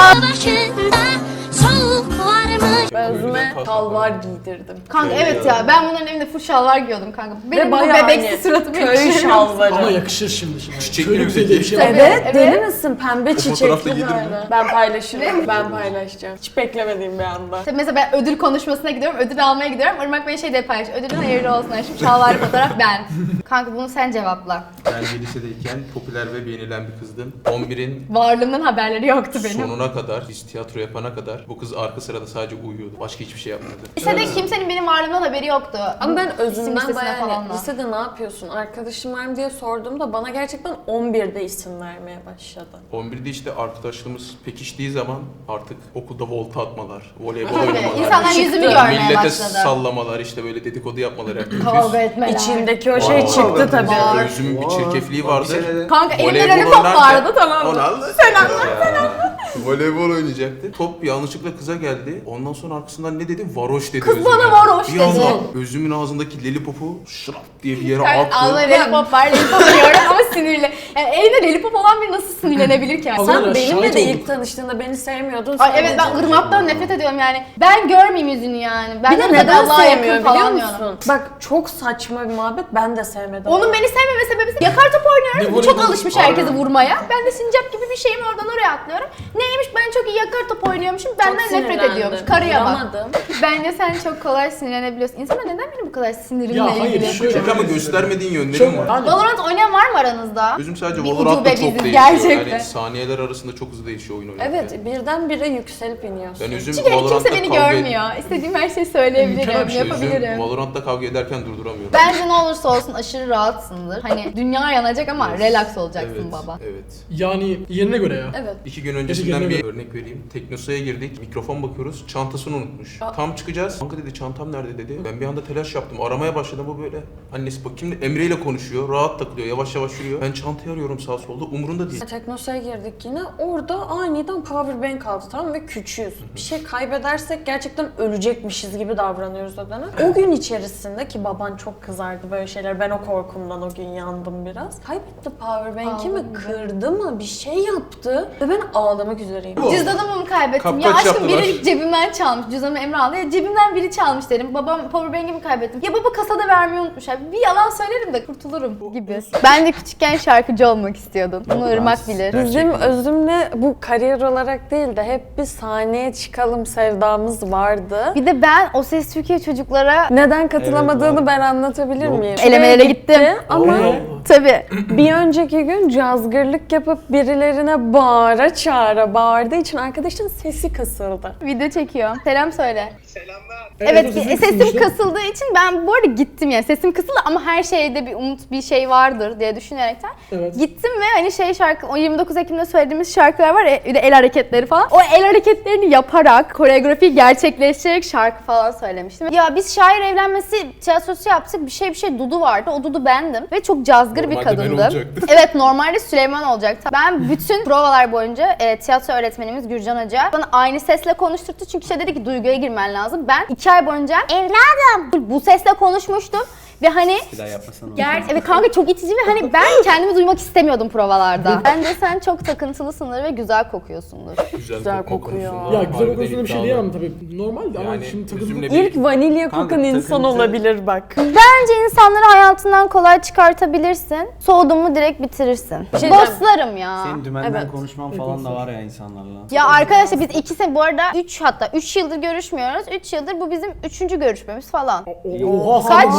[SPEAKER 5] Ben özüme şalvar giydirdim.
[SPEAKER 1] Kanka evet ya, ben bunların evinde full şalvar giyiyordum kanka. Benim bu
[SPEAKER 5] bayağı
[SPEAKER 1] bebeksi
[SPEAKER 5] hani
[SPEAKER 1] suratım
[SPEAKER 5] köy
[SPEAKER 1] yakışır.
[SPEAKER 5] şalvarı.
[SPEAKER 2] Ama yakışır şimdi. şimdi.
[SPEAKER 3] Çiçekli
[SPEAKER 2] Köylü
[SPEAKER 3] mi
[SPEAKER 2] güzeli
[SPEAKER 3] peki?
[SPEAKER 2] diye bir şey var.
[SPEAKER 5] Evet,
[SPEAKER 1] Evet,
[SPEAKER 5] deli
[SPEAKER 1] evet.
[SPEAKER 5] misin? Pembe
[SPEAKER 3] fotoğrafta
[SPEAKER 5] çiçekli
[SPEAKER 3] giydirme.
[SPEAKER 5] böyle. Ben paylaşırım, ben paylaşacağım. Hiç beklemediğim bir anda.
[SPEAKER 1] İşte mesela ben ödül konuşmasına gidiyorum, ödül almaya gidiyorum. Irmak Bey şey de paylaş, ödülün hayırlı olsun. Şu şalvar fotoğraf ben. Kanka bunu sen cevapla.
[SPEAKER 3] Ben de lisedeyken popüler ve beğenilen bir kızdım. on birin
[SPEAKER 1] Varlığımdan haberleri yoktu benim.
[SPEAKER 3] sonuna kadar, biz tiyatro yapana kadar bu kız arka sırada sadece uyuyordu. Başka hiçbir şey yapmadı.
[SPEAKER 1] Lisede kimsenin benim varlığımdan haberi yoktu.
[SPEAKER 5] Ama ben
[SPEAKER 1] İsim
[SPEAKER 5] özümden
[SPEAKER 1] listesine
[SPEAKER 5] bayağı
[SPEAKER 1] falan
[SPEAKER 5] hani,
[SPEAKER 1] da.
[SPEAKER 5] lisede ne yapıyorsun, arkadaşım var mı diye sorduğumda bana gerçekten on birde isim vermeye başladı.
[SPEAKER 3] on birde işte arkadaşlığımız pekiştiği zaman artık okulda volta atmalar, voleybol
[SPEAKER 1] Tabii,
[SPEAKER 3] oynamalar,
[SPEAKER 1] insanlar
[SPEAKER 5] Çıktı.
[SPEAKER 1] yüzümü görmeye
[SPEAKER 3] millete
[SPEAKER 1] başladı.
[SPEAKER 3] sallamalar, işte böyle dedikodu yapmalar herkes.
[SPEAKER 1] Kavga etmeler.
[SPEAKER 5] İçindeki o şey
[SPEAKER 6] Wow.
[SPEAKER 5] çıktı tabii.
[SPEAKER 1] Var.
[SPEAKER 3] Özümün bir
[SPEAKER 6] Var.
[SPEAKER 3] çirkefliği
[SPEAKER 6] Bir
[SPEAKER 3] vardır.
[SPEAKER 6] senede-
[SPEAKER 1] Kanka elimde
[SPEAKER 3] Voleybol
[SPEAKER 1] lollipop
[SPEAKER 3] oynarken-
[SPEAKER 1] vardı, tamam mı?
[SPEAKER 3] Onu anlat. Sen anlat, sen anlat. Voleybol oynayacaktı. Top yanlışlıkla kıza geldi. Ondan sonra arkasından ne dedi? Varoş dedi.
[SPEAKER 1] Kız
[SPEAKER 3] Özüm'e.
[SPEAKER 1] bana varoş
[SPEAKER 3] Bir
[SPEAKER 1] dedi.
[SPEAKER 3] anda Özüm'ün ağzındaki lollipopu şırap diye bir yere
[SPEAKER 1] Kanka
[SPEAKER 3] attı.
[SPEAKER 1] ağzına lollipop var, lollipop yiyorum ama sinirli. Yani elinde lollipop olan biri nasıl sinirlenebilir ki?
[SPEAKER 2] Allah
[SPEAKER 5] Sen
[SPEAKER 2] Allah,
[SPEAKER 5] benimle
[SPEAKER 2] şahit
[SPEAKER 5] de
[SPEAKER 2] olduk.
[SPEAKER 5] ilk tanıştığında beni sevmiyordun.
[SPEAKER 1] Ay evet, ben
[SPEAKER 5] sadece.
[SPEAKER 1] Irmak'tan nefret ediyorum yani. Ben görmeyeyim yüzünü yani. Ben
[SPEAKER 5] Bir de
[SPEAKER 1] zaten
[SPEAKER 5] neden
[SPEAKER 1] Allah'a yakın
[SPEAKER 5] sevmiyor
[SPEAKER 1] falan
[SPEAKER 5] biliyor
[SPEAKER 1] diyorum.
[SPEAKER 5] musun? Bak çok saçma bir muhabbet, ben de sevmedim.
[SPEAKER 1] Onun beni sevmeme sebebi yakar top oynuyoruz.
[SPEAKER 2] Ne
[SPEAKER 1] Bu çok
[SPEAKER 2] voleybol-
[SPEAKER 1] alışmış herkesi vurmaya. Ben de sincap gibi bir şeyim, oradan oraya atlıyorum. Neymiş, ben çok iyi yakar top oynuyormuşum.
[SPEAKER 5] Çok
[SPEAKER 1] Benden nefret
[SPEAKER 5] sinirlendim.
[SPEAKER 1] ediyormuş. Karıya bak.
[SPEAKER 5] Vuramadım.
[SPEAKER 1] Bence sen çok kolay sinirlenebiliyorsun. İnsanlar neden benim bu kadar sinirimle
[SPEAKER 2] Ya hayır,
[SPEAKER 1] ilgili?
[SPEAKER 2] şöyle-
[SPEAKER 3] Çünkü ama göstermediğin
[SPEAKER 2] Çok-
[SPEAKER 3] yönlerim var.
[SPEAKER 2] Yani-
[SPEAKER 1] Valorant oynayan var mı aranızda?
[SPEAKER 3] Özüm sadece
[SPEAKER 1] Bir
[SPEAKER 3] Valorant'ta
[SPEAKER 1] ucube
[SPEAKER 3] çok
[SPEAKER 1] biziz
[SPEAKER 3] değişiyor.
[SPEAKER 1] gerçekten.
[SPEAKER 3] Yani saniyeler arasında çok hızlı değişiyor oyun oynarken.
[SPEAKER 5] Evet, birdenbire yükselip iniyorsun.
[SPEAKER 3] Ben Özüm
[SPEAKER 1] Çünkü
[SPEAKER 3] Valorant'ta
[SPEAKER 1] kimse beni
[SPEAKER 3] kavga
[SPEAKER 1] görmüyor. İstediğim her şeyi
[SPEAKER 2] Mükemmel
[SPEAKER 1] söyleyebilirim,
[SPEAKER 2] bir şey.
[SPEAKER 1] yapabilirim.
[SPEAKER 3] Özüm Valorant'ta kavga ederken durduramıyorum.
[SPEAKER 1] Bence ne olursa olsun aşırı rahatsındır. Hani dünya yanacak ama relax olacaksın
[SPEAKER 3] Evet,
[SPEAKER 1] baba.
[SPEAKER 3] evet.
[SPEAKER 2] Yani yerine göre ya.
[SPEAKER 5] Evet.
[SPEAKER 3] İki gün öncesinden
[SPEAKER 2] Gerçekten
[SPEAKER 3] bir örnek vereyim. Teknosa'ya girdik, mikrofon bakıyoruz, çantasını unutmuş.
[SPEAKER 5] Aa.
[SPEAKER 3] Tam çıkacağız, kanka dedi çantam nerede dedi. Ben bir anda telaş yaptım, aramaya başladım, bu böyle. Annesi bak şimdi Emre ile konuşuyor, rahat takılıyor, yavaş yavaş yürüyor. Ben çantayı arıyorum sağ solda, umurunda değil.
[SPEAKER 5] Teknosa'ya girdik yine. Orada aniden power bank aldı, tamam, ve küçüğüz. Bir şey kaybedersek gerçekten ölecekmişiz gibi davranıyoruz o dönem. O gün içerisinde ki baban çok kızardı böyle şeyler. Ben o korkumdan o gün yandım biraz. Kaybetti power bank'imi,
[SPEAKER 1] Ağladı.
[SPEAKER 5] kırdı mı, bir şey yaptı ve ben ağlamak üzereyim.
[SPEAKER 1] Cüzdanımı mı kaybettim? Ya
[SPEAKER 3] Kapkaç
[SPEAKER 1] aşkım
[SPEAKER 3] yaptılar.
[SPEAKER 1] biri cebimden çalmış. Cüzdanımı Emre aldı. Ya cebimden biri çalmış derim. Babam powerbank'imi kaybettim. Ya baba kasada vermeyi unutmuş. Abi bir yalan söylerim de kurtulurum gibi. Ben de küçükken şarkıcı olmak istiyordum. Bunu Irmak bilir.
[SPEAKER 5] Bizim Özüm'le bu kariyer olarak değil de hep bir sahneye çıkalım sevdamız vardı.
[SPEAKER 1] Bir de ben O Ses Türkiye çocuklara
[SPEAKER 5] Neden katılamadığını
[SPEAKER 6] Evet, var.
[SPEAKER 5] ben anlatabilir
[SPEAKER 6] Yok.
[SPEAKER 5] miyim?
[SPEAKER 1] Elemelere
[SPEAKER 5] Şuraya
[SPEAKER 1] gittim.
[SPEAKER 5] gitti Ama
[SPEAKER 2] Allah Allah.
[SPEAKER 1] Tabii.
[SPEAKER 5] bir önceki gün cazgırlık yapıp birilerine bağıra çağıra bağırdığı için arkadaşın sesi kısıldı.
[SPEAKER 1] Video çekiyor. Selam söyle.
[SPEAKER 2] Evet,
[SPEAKER 1] Evet,
[SPEAKER 2] o sesin
[SPEAKER 1] sesim
[SPEAKER 2] kısılmıştı.
[SPEAKER 1] kasıldığı için ben bu arada gittim yani. Sesim kısıldı ama her şeyde bir umut, bir şey vardır diye düşünerekten
[SPEAKER 2] Evet.
[SPEAKER 1] gittim ve hani şey şarkı, o yirmi dokuz Ekim'de söylediğimiz şarkılar var ya, bir de el hareketleri falan. O el hareketlerini yaparak, koreografiyi gerçekleştirerek şarkı falan söylemiştim. Ya biz şair evlenmesi tiyatrosu yaptık. Bir şey bir şey Dudu vardı. O Dudu bendim ve çok cazgır bir
[SPEAKER 3] Normalde ben
[SPEAKER 1] kadındım.
[SPEAKER 3] olacaktım.
[SPEAKER 1] Evet, normalde Süleyman olacaktı. Ben bütün provalar boyunca e, tiyatro öğretmenimiz Gürcan Hoca bana aynı sesle konuşturdu. Çünkü şey dedi ki duyguya girmen lazım. Ben iki ay boyunca evladım bu sesle konuşmuştum. Ve hani
[SPEAKER 6] Bir daha yapmasana.
[SPEAKER 1] Ger evet kanka, çok itici ve hani ben kendimi duymak istemiyordum provalarda. Bence sen çok takıntılısındır ve güzel kokuyorsundur.
[SPEAKER 3] Güzel,
[SPEAKER 5] Güzel
[SPEAKER 3] kokma
[SPEAKER 5] kokuyor.
[SPEAKER 3] konusunda
[SPEAKER 2] Ya güzel
[SPEAKER 3] harbiden
[SPEAKER 2] konusunda bir şey
[SPEAKER 3] iddialı.
[SPEAKER 2] diyemem tabii. Normaldi ama
[SPEAKER 3] Yani
[SPEAKER 2] şimdi takıldı.
[SPEAKER 3] üzümle
[SPEAKER 5] İlk vanilya
[SPEAKER 6] Kanka,
[SPEAKER 5] kokan insan
[SPEAKER 6] takıntı-
[SPEAKER 5] olabilir bak.
[SPEAKER 1] Bence insanları hayatından kolay çıkartabilirsin. Soğudun mu direkt bitirirsin.
[SPEAKER 5] şey
[SPEAKER 1] Dostlarım ya.
[SPEAKER 4] Senin dümenden
[SPEAKER 5] Evet.
[SPEAKER 4] konuşman falan da var ya insanlarla.
[SPEAKER 1] Ya arkadaşlar biz iki sene bu arada üç hatta üç yıldır görüşmüyoruz. üç yıldır bu bizim üçüncü görüşmemiz falan.
[SPEAKER 2] Oha
[SPEAKER 1] Kaç?
[SPEAKER 2] sen-
[SPEAKER 5] Özüm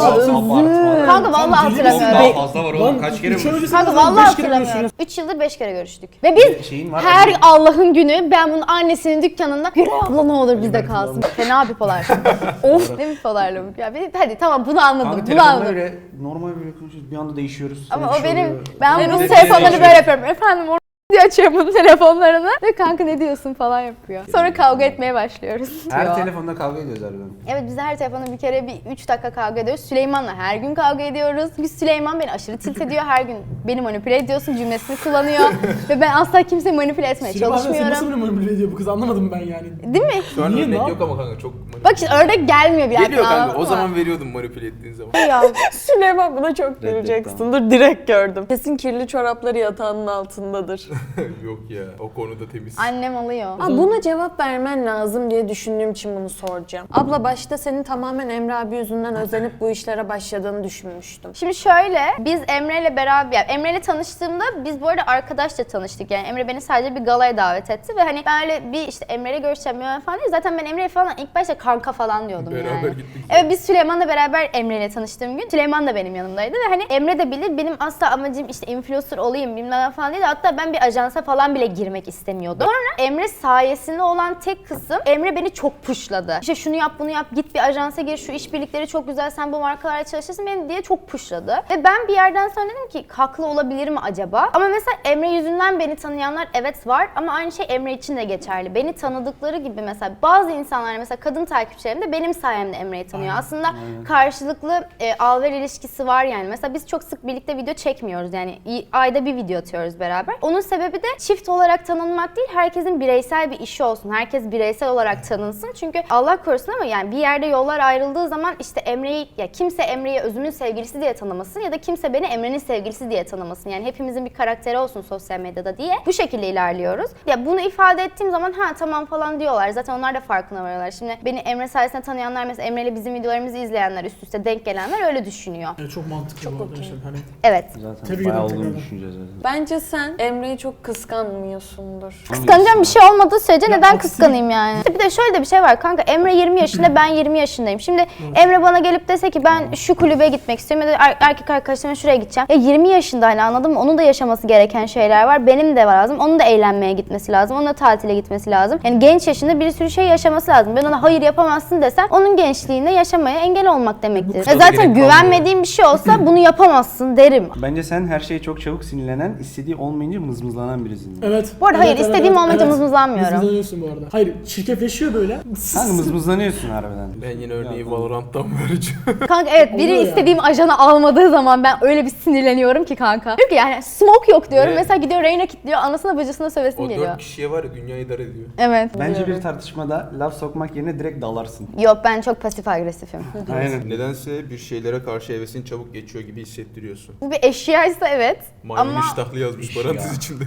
[SPEAKER 4] Abartma.
[SPEAKER 1] Kanka vallahi
[SPEAKER 2] deli misin?
[SPEAKER 1] hatırlamıyorum.
[SPEAKER 4] Daha fazla var
[SPEAKER 2] Lan
[SPEAKER 4] oğlum. Kaç kere
[SPEAKER 2] üç ay
[SPEAKER 4] bu?
[SPEAKER 2] öncesi
[SPEAKER 1] Kanka
[SPEAKER 2] zaten
[SPEAKER 1] vallahi
[SPEAKER 2] beş kere
[SPEAKER 1] hatırlamıyorum.
[SPEAKER 2] görüşürüz.
[SPEAKER 1] üç yıldır beş kere görüştük. Ve biz
[SPEAKER 4] Şeyin var.
[SPEAKER 1] her Allah'ın günü ben bunun annesinin dükkanında Güray abla ne olur bizde kalsın. Fena bipolar. Of ne bipolarlık ya. Bir- Hadi tamam bunu anladım.
[SPEAKER 6] Kanka
[SPEAKER 1] bunu
[SPEAKER 6] telefonla
[SPEAKER 1] anladım.
[SPEAKER 6] öyle normal böyle konuşuyoruz. Bir anda değişiyoruz.
[SPEAKER 1] Ama
[SPEAKER 6] Sonra
[SPEAKER 1] o
[SPEAKER 6] bir şey
[SPEAKER 1] benim,
[SPEAKER 6] oluyor.
[SPEAKER 1] ben
[SPEAKER 6] Benim
[SPEAKER 1] bunun
[SPEAKER 6] de
[SPEAKER 1] telefonlarını
[SPEAKER 6] değişiyor.
[SPEAKER 1] böyle yapıyorum. Efendim o diye açıyorum bunun telefonlarını. Ve kanka ne diyorsun falan yapıyor. Sonra kavga etmeye başlıyoruz.
[SPEAKER 6] Her
[SPEAKER 1] diyor.
[SPEAKER 6] telefonda kavga ediyoruz harbiden.
[SPEAKER 1] Evet biz her telefonda bir kere bir üç dakika kavga ediyoruz. Süleyman'la her gün kavga ediyoruz. Biz Süleyman beni aşırı tilt ediyor. Her gün beni manipüle ediyorsun cümlesini kullanıyor. Ve ben asla kimseyi manipüle etmeye
[SPEAKER 2] Süleyman sen nasıl
[SPEAKER 1] çalışmıyorum.
[SPEAKER 2] beni manipüle ediyor bu kız anlamadım ben yani.
[SPEAKER 1] Değil mi?
[SPEAKER 3] Şu an
[SPEAKER 2] Niye
[SPEAKER 3] örnek
[SPEAKER 2] lan?
[SPEAKER 3] yok ama kanka çok manipüle.
[SPEAKER 1] Bak işte ördek gelmiyor bir
[SPEAKER 3] Geliyor
[SPEAKER 1] yerden,
[SPEAKER 3] kanka,
[SPEAKER 1] anladın
[SPEAKER 3] o
[SPEAKER 1] mı?
[SPEAKER 3] zaman veriyordum manipüle ettiğin zaman.
[SPEAKER 1] Ya.
[SPEAKER 5] Süleyman buna çok güleceksin. Dur direkt gördüm. Kesin kirli çorapları yatağının altındadır.
[SPEAKER 3] Yok ya, o konuda temiz.
[SPEAKER 1] Annem alıyor.
[SPEAKER 5] Aa, buna cevap vermen lazım diye düşündüğüm için bunu soracağım. Abla başta senin tamamen Emre abi yüzünden özenip bu işlere başladığını düşünmüştüm.
[SPEAKER 1] Şimdi şöyle, biz Emre ile beraber, yani Emre ile tanıştığımda biz bu arada arkadaşça tanıştık. Yani Emre beni sadece bir galaya davet etti ve hani ben öyle bir işte Emre ile görüşeceğim ya falan değil. Zaten ben Emre'ye falan ilk başta kanka falan diyordum
[SPEAKER 3] Beraber
[SPEAKER 1] yani.
[SPEAKER 3] gittik.
[SPEAKER 1] Evet biz Süleyman'la beraber Emre ile tanıştığım gün Süleyman da benim yanımdaydı ve hani Emre de bilir benim asla amacım işte influencer olayım bilmem ne falan değil. Hatta ben bir ajansa falan bile girmek istemiyordum. Sonra Emre sayesinde olan tek kısım Emre beni çok pushladı. İşte şunu yap bunu yap git bir ajansa gir şu işbirlikleri çok güzel sen bu markalarla çalışırsın beni diye çok pushladı. Ve ben bir yerden sonra dedim ki haklı olabilir mi acaba? Ama mesela Emre yüzünden beni tanıyanlar evet var ama aynı şey Emre için de geçerli. Beni tanıdıkları gibi mesela bazı insanlar mesela kadın takipçilerim de benim sayemde Emre'yi tanıyor. Aslında karşılıklı e, al-ver ilişkisi var yani. Mesela biz çok sık birlikte video çekmiyoruz yani i- ayda bir video atıyoruz beraber. Onun sebebi de çift olarak tanınmak değil, herkesin bireysel bir işi olsun. Herkes bireysel olarak tanınsın. Çünkü Allah korusun ama yani bir yerde yollar ayrıldığı zaman işte Emre'yi ya kimse Emre'yi özümün sevgilisi diye tanımasın ya da kimse beni Emre'nin sevgilisi diye tanımasın. Yani hepimizin bir karakteri olsun sosyal medyada diye bu şekilde ilerliyoruz. Ya bunu ifade ettiğim zaman ha tamam falan diyorlar. Zaten onlar da farkına varıyorlar. Şimdi beni Emre sayesinde tanıyanlar mesela Emre ile bizim videolarımızı izleyenler, üst üste denk gelenler öyle düşünüyor.
[SPEAKER 2] Yani çok mantıklı bu arada. işte. Hani
[SPEAKER 1] Evet.
[SPEAKER 4] Zaten
[SPEAKER 2] Tebrik
[SPEAKER 4] bayağı
[SPEAKER 2] ederim
[SPEAKER 4] olduğunu
[SPEAKER 2] tekrardan.
[SPEAKER 4] düşüneceğiz zaten.
[SPEAKER 5] Bence sen Emre'yi çok kıskanmıyorsundur.
[SPEAKER 1] Kıskanacağım bir şey olmadığı sürece
[SPEAKER 2] Ya
[SPEAKER 1] neden
[SPEAKER 2] aksi-
[SPEAKER 1] kıskanayım yani? Bir de şöyle de bir şey var kanka Emre yirmi yaşında ben yirmi yaşındayım. Şimdi Emre bana gelip dese ki ben şu kulübe gitmek istiyorum ya da er- erkek arkadaşlarımla şuraya gideceğim. Ya yirmi yaşında hani anladın mı? Onun da yaşaması gereken şeyler var. Benim de var lazım. Onun da eğlenmeye gitmesi lazım. Onun da tatile gitmesi lazım. Yani genç yaşında bir sürü şey yaşaması lazım. Ben ona hayır yapamazsın desem onun gençliğinde yaşamaya engel olmak demektir.
[SPEAKER 3] kadar
[SPEAKER 1] E zaten
[SPEAKER 3] gerek
[SPEAKER 1] güvenmediğim bir şey olsa bunu yapamazsın derim.
[SPEAKER 6] Bence sen her şeye çok çabuk sinirlenen, istediği olmayınca mızmızlanan birisin.
[SPEAKER 2] Evet.
[SPEAKER 1] Bu arada
[SPEAKER 2] evet,
[SPEAKER 1] hayır,
[SPEAKER 2] evet,
[SPEAKER 1] istediğim
[SPEAKER 2] evet,
[SPEAKER 1] olmayınca
[SPEAKER 2] evet.
[SPEAKER 1] mızmızlanmıyorum.
[SPEAKER 2] Mızmızlanıyorsun bu arada. Hayır çirkefleşiyor böyle.
[SPEAKER 6] Kanka mızmızlanıyorsun harbiden.
[SPEAKER 3] Ben yine örneği
[SPEAKER 6] Ya,
[SPEAKER 3] Valorant'tan vereceğim.
[SPEAKER 1] Kanka evet biri
[SPEAKER 2] Oluyor
[SPEAKER 1] istediğim ajanı almadığı zaman ben öyle bir sinirleniyorum ki kanka. Diyor ki yani smoke yok diyorum.
[SPEAKER 3] Ve-
[SPEAKER 1] Mesela gidiyor Reyna kilitliyor. Anasına bacısına sövesim
[SPEAKER 3] O
[SPEAKER 1] geliyor.
[SPEAKER 3] dört kişiye var ya dünyayı idare ediyor.
[SPEAKER 1] Evet.
[SPEAKER 6] Bence bir tartışmada laf sokmak yerine direkt dalarsın.
[SPEAKER 1] Yok ben çok pasif agresifim.
[SPEAKER 6] Aynen.
[SPEAKER 3] Nedense bir şeylere karşı hevesin çabuk geçiyor gibi hissettiriyorsun.
[SPEAKER 1] Bu bir eşyaysa evet.
[SPEAKER 3] Maymun
[SPEAKER 1] Ama
[SPEAKER 3] iştahlı yazmış parantez içinde.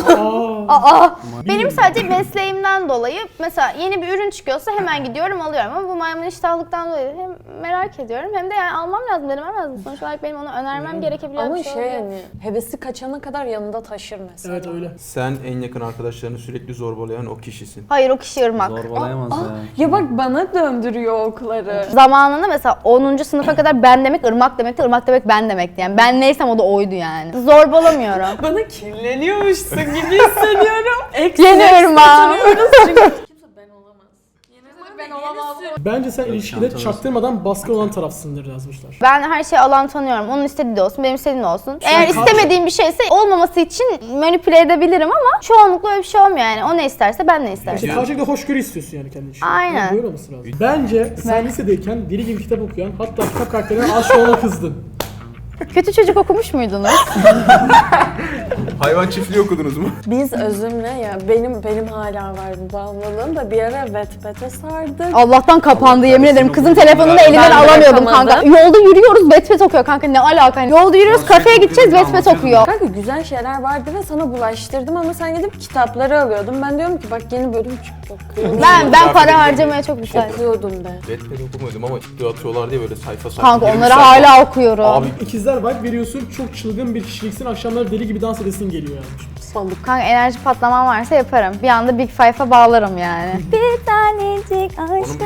[SPEAKER 1] aa, benim sadece mesleğimden dolayı mesela yeni bir ürün çıkıyorsa hemen gidiyorum alıyorum ama bu maymun iştahlıktan dolayı hem merak ediyorum hem de yani almam lazım denemem lazım. Sonuç olarak benim onu önermem gerekebilen
[SPEAKER 5] Ama
[SPEAKER 1] bir şey,
[SPEAKER 5] şey
[SPEAKER 1] oluyor.
[SPEAKER 5] yani hevesi kaçana kadar yanında taşır mesela.
[SPEAKER 2] Evet öyle.
[SPEAKER 3] Sen en yakın arkadaşlarını sürekli zorbalayan o kişisin.
[SPEAKER 1] Hayır o kişi ırmak.
[SPEAKER 4] Zorbalayamaz ya.
[SPEAKER 5] Ya bak bana döndürüyor okları.
[SPEAKER 1] Zamanında mesela onuncu sınıfa kadar ben demek ırmak demekti, ırmak demek ben demekti yani. Ben neysem o da oydu yani. Zorbalamıyorum.
[SPEAKER 5] Bana kirleniyormuşsun gibi hissediyorum. Eksi
[SPEAKER 1] Yeni
[SPEAKER 5] eksi
[SPEAKER 1] ırmak.
[SPEAKER 5] oturuyoruz çünkü. Kimse ben olamaz. Ben olamaz.
[SPEAKER 2] Bence sen ilişkide
[SPEAKER 4] çantamız.
[SPEAKER 2] çaktırmadan baskı olan tarafsındır yazmışlar.
[SPEAKER 1] Ben her şeyi alan tanıyorum. Onun istediği de olsun, benim istediğim de olsun. Eğer
[SPEAKER 2] kalk-
[SPEAKER 1] istemediğim bir şeyse olmaması için manipüle edebilirim ama çoğunlukla öyle bir şey olmuyor yani. O ne isterse ben ne istersem.
[SPEAKER 2] İşte karşılıklı hoşgörü istiyorsun yani kendi için.
[SPEAKER 1] Aynen.
[SPEAKER 2] Yani böyle olması lazım. Bence sen lisedeyken deli gibi kitap okuyan hatta kitap karakterine aşık olana kızdın.
[SPEAKER 1] Kötü çocuk okumuş muydunuz?
[SPEAKER 3] Hayvan çiftliği okudunuz mu?
[SPEAKER 5] Biz Özüm'le ya benim benim hala var bu bağımlılığım da bir ara Wattpad'e sardık.
[SPEAKER 1] Allah'tan kapandı yemin ederim. Kızın
[SPEAKER 6] okudum.
[SPEAKER 1] telefonunu
[SPEAKER 6] Ben
[SPEAKER 1] elimden
[SPEAKER 5] de
[SPEAKER 1] alamıyordum
[SPEAKER 5] yapamadım.
[SPEAKER 1] kanka. Yolda yürüyoruz Wattpad okuyor kanka ne alaka? Yolda yürüyoruz
[SPEAKER 6] Nasıl
[SPEAKER 1] kafeye gideceğiz
[SPEAKER 6] okudun,
[SPEAKER 1] Wattpad okuyor.
[SPEAKER 5] Kanka güzel şeyler vardı ve sana bulaştırdım ama sen gidip kitapları alıyordun. Ben diyorum ki bak yeni bölüm çıktı okuyordum.
[SPEAKER 1] Ben ben para harcamaya çok müsaitim.
[SPEAKER 5] Okuyordum de.
[SPEAKER 3] Wattpad okumuyordum ama ciddi atıyorlar diye böyle sayfa sayfa.
[SPEAKER 1] Kanka
[SPEAKER 3] yirmi
[SPEAKER 1] onları
[SPEAKER 3] sayfa.
[SPEAKER 1] hala okuyorum.
[SPEAKER 3] Abi
[SPEAKER 2] İkizler vibe veriyorsun, çok çılgın bir kişiliksin, akşamları deli gibi dans edesin geliyor yani.
[SPEAKER 1] Balık. Kanka enerji patlamam varsa yaparım. Bir anda Big Five'a bağlarım yani. Bir tanecik
[SPEAKER 3] onun bir
[SPEAKER 1] aşkın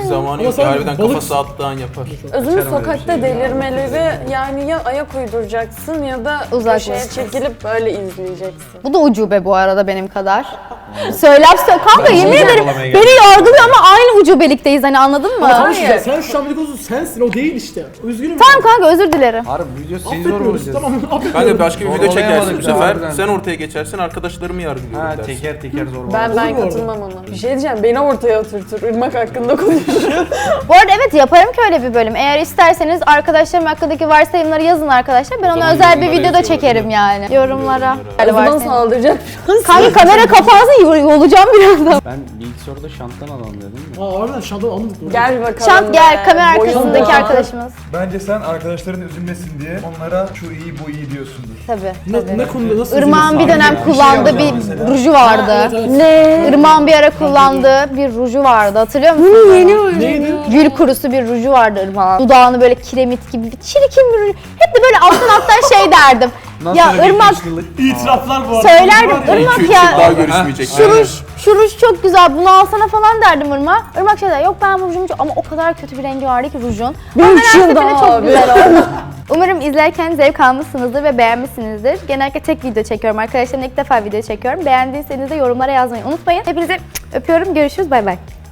[SPEAKER 3] Zamanı
[SPEAKER 2] Ama
[SPEAKER 3] yok
[SPEAKER 2] sen
[SPEAKER 3] ya, harbiden
[SPEAKER 2] balık-
[SPEAKER 3] kafası attığı an yapar.
[SPEAKER 5] Özümü
[SPEAKER 6] Açarım öyle bir
[SPEAKER 5] sokakta
[SPEAKER 6] şey.
[SPEAKER 5] delirmeleri yani ya ayak uyduracaksın ya da köşeye
[SPEAKER 1] Uzaklaşacaksın.
[SPEAKER 5] çekilip böyle izleyeceksin.
[SPEAKER 1] Bu da ucube bu arada benim kadar. Söyler söyle kanka yemin
[SPEAKER 4] bunu
[SPEAKER 1] ederim
[SPEAKER 4] yakalamaya
[SPEAKER 1] beni
[SPEAKER 4] geldim.
[SPEAKER 1] yargılıyor ama aynı ucubelikteyiz hani anladın mı?
[SPEAKER 2] Tamam işte sen şu an dedikodusu sensin o değil işte. Üzgünüm.
[SPEAKER 1] Tamam kanka özür dilerim.
[SPEAKER 4] Harbi video seni zor
[SPEAKER 2] Affetmiyoruz.
[SPEAKER 4] bulacağız.
[SPEAKER 2] Tamam affetmiyoruz.
[SPEAKER 3] Kanka başka bir
[SPEAKER 4] Zor
[SPEAKER 3] video çekersin
[SPEAKER 4] olayamadık
[SPEAKER 3] bu
[SPEAKER 4] ya,
[SPEAKER 3] sefer.
[SPEAKER 4] harbiden.
[SPEAKER 3] Sen ortaya geçersin, arkadaşlarımı yargılıyorum
[SPEAKER 4] Ha
[SPEAKER 3] dersin.
[SPEAKER 4] teker teker zor
[SPEAKER 5] Ben
[SPEAKER 2] Olur
[SPEAKER 5] ben
[SPEAKER 2] mu orada?
[SPEAKER 5] katılmam ona. Bir şey diyeceğim beni ortaya oturtur. Irmak hakkında konuşuyor.
[SPEAKER 1] Bu arada evet yaparım ki öyle bir bölüm. Eğer isterseniz arkadaşlarım hakkındaki varsayımları yazın arkadaşlar. Ben
[SPEAKER 3] O
[SPEAKER 1] onu
[SPEAKER 3] zaman
[SPEAKER 1] özel bir
[SPEAKER 3] yorumlara
[SPEAKER 1] videoda
[SPEAKER 3] yazıyorlar,
[SPEAKER 1] çekerim
[SPEAKER 3] değil mi?
[SPEAKER 1] yani. Yorumlara.
[SPEAKER 5] O zaman saldıracak.
[SPEAKER 1] Kanka kamera kapansın yolacağım birazdan.
[SPEAKER 4] Ben bilgisayarda şanttan adam dedim mi?
[SPEAKER 2] Aa harbiden şandan almadık doğru.
[SPEAKER 5] Gel bakalım.
[SPEAKER 1] Şant gel
[SPEAKER 5] be.
[SPEAKER 1] kamera
[SPEAKER 5] Boyun
[SPEAKER 1] arkasındaki
[SPEAKER 5] var.
[SPEAKER 1] arkadaşımız.
[SPEAKER 8] Bence sen arkadaşların üzülmesin diye onlara şu iyi bu iyi diyorsundur.
[SPEAKER 1] Tabii.
[SPEAKER 2] Ne, ne konuda nasıl
[SPEAKER 1] Irmak'ın bir dönem
[SPEAKER 8] Bir şey
[SPEAKER 1] kullandığı
[SPEAKER 8] yapacağım
[SPEAKER 1] bir
[SPEAKER 8] mesela.
[SPEAKER 1] ruju vardı.
[SPEAKER 2] Ha, evet, evet.
[SPEAKER 1] Ne? Irmak'ın bir ara kullandığı bir ruju vardı. Hatırlıyor musun? Bunu yeni
[SPEAKER 2] Neydi?
[SPEAKER 1] Gül kurusu bir ruju vardı Irmak'ın. Dudağını böyle kiremit gibi bir çirkin bir ruj. Hep de böyle alttan alttan şey derdim.
[SPEAKER 4] Nasıl
[SPEAKER 1] Ya
[SPEAKER 4] öyle bir
[SPEAKER 1] Irmak
[SPEAKER 4] kışlılık?
[SPEAKER 2] İtiraflar bu arada.
[SPEAKER 1] söylerdim.
[SPEAKER 3] iki
[SPEAKER 1] Irmak
[SPEAKER 3] üç yıl daha
[SPEAKER 1] ya
[SPEAKER 3] görüşmeyecek.
[SPEAKER 1] şu ruj, şu ruj çok güzel bunu alsana falan derdim Irmak. Irmak şey der yok ben bu rujumu çok... Ama o kadar kötü bir rengi vardı ki rujun. Ama
[SPEAKER 5] Bir
[SPEAKER 1] her
[SPEAKER 5] yıl
[SPEAKER 1] seferinde
[SPEAKER 5] daha
[SPEAKER 1] çok
[SPEAKER 5] abi.
[SPEAKER 1] güzel oldu. Umarım izlerken zevk almışsınızdır ve beğenmişsinizdir. Genellikle tek video çekiyorum arkadaşlarımla ilk defa video çekiyorum. Beğendiyseniz de yorumlara yazmayı unutmayın. Hepinizi öpüyorum. Görüşürüz. Bay bay.